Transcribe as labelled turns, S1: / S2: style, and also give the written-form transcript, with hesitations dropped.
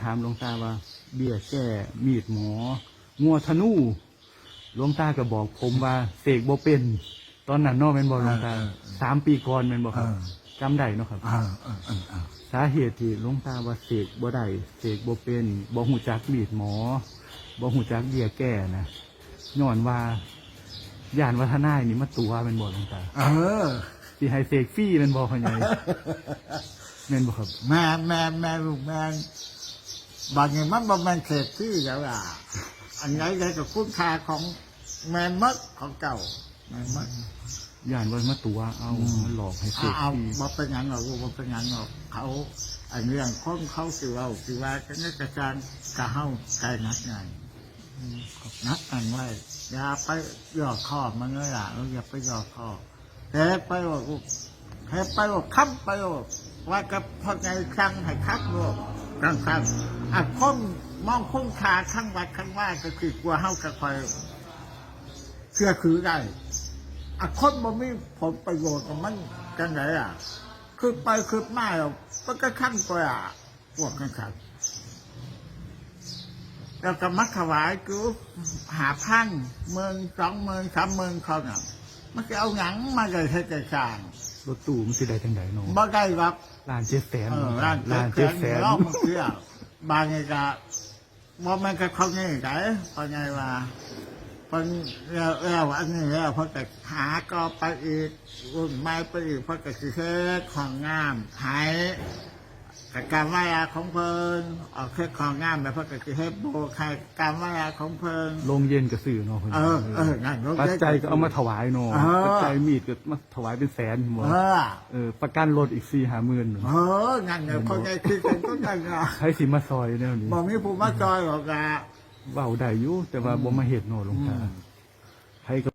S1: ถามหลวงตาว่าเบี้ยแก้มีดหมองัวธนูหลวงตาก็บอกผมว่าเสกบ่เป็นตอนนั้นเนาะแม่นบ่หลวงตา3 ปีก่อนแม่นบ่ครับจำได้เนาะครับสาเหตุที่หลวงตาว่าเสกบ่ได้เสกบ่เป็นบ่ฮู้จักมีดหมอบ่ฮู้จักเบี้ยแก้นะย้อนว่าย่านวัฒนายนี่มาตัวแม่นบ่หลวงตาสิให้เสกฟรีแม่นบ่พ่อใหญ่แม่นบ่ครับ
S2: แม่ลูกแม่บางอย่างมันบ่แม่นเศษที่แล้วล่ะอันไหนได้กับคุณค่าของแม่มดของเก่าแม่มด
S1: ย่านว่ามาตัวเอามันหลอกให้เสก
S2: เอา
S1: ฟรี
S2: บ่เป็นหยังหรอกบ่เป็นหยังหรอกเขาอันเรื่องคนเขาสิเว้าสิว่ากันกระจางกะเฮาไกลนักไงนักอันไว้อย่าไปย่อข้อมันเลยล่ะอย่าไปย่อข้อแต่ไปว่าให้ไปว่าค้ำไปว่ากับพ่อไงครั้งให้คักโลกครั้งอ่ะคนมองคุ้มค่าข้างวัดข้างว่าก็คือกลัวเฮาก็คอยเชื่อคือได้อ่ะคนบ่มีผลประโยชน์ของมันจังไดอ่ะคือไปคือมาแล้วมันก็ขั้นกว่าพวกกันครับแล้วก็มัดถวายกู5,000 10,000 30,000เขาน่ะมันจะเอาหยังมาได้ให้ใจสร้าง
S1: รถตู้มันสิได้จังไดเนาะ
S2: บ่ได้หรอก
S1: 1,700,000
S2: ล้าน700,000เนาะมันเชื่อบางไงก็บ่แม่นก็เขาไงได้พอไงว่าเพิ่นแล้วอันนี้แล้วเพิ่นก็หาก็ไปอีกรุ่นใหม่ไปอีกเพิ่นก็สิเฮ็ดของงามหายการวายาของเพิ่นออกเฮ็ดของงามแบบเพิ่นก็สิเฮ็ดโบใครการวายาของเพิ่น
S1: ลงเย็นก็ซื้อเนาะเพิ่น
S2: นั่น
S1: ปัจจัยก็เอามาถวายเนาะปัจจัยมีดก็มาถวายเป็นแสนบ่ประกันรถอีก 4-5 หมื่น
S2: นั่นเนี่ยเพิ่นได้คิดกันก็นั่นน่ะ
S1: ใครสิมาซอยแนวนี้
S2: บ่มีผู้มาซอยหรอกอ่ะ
S1: เว้าได้อยู่แต่ว่าบ่มาเฮ็ดเนาะหลวงตาใคร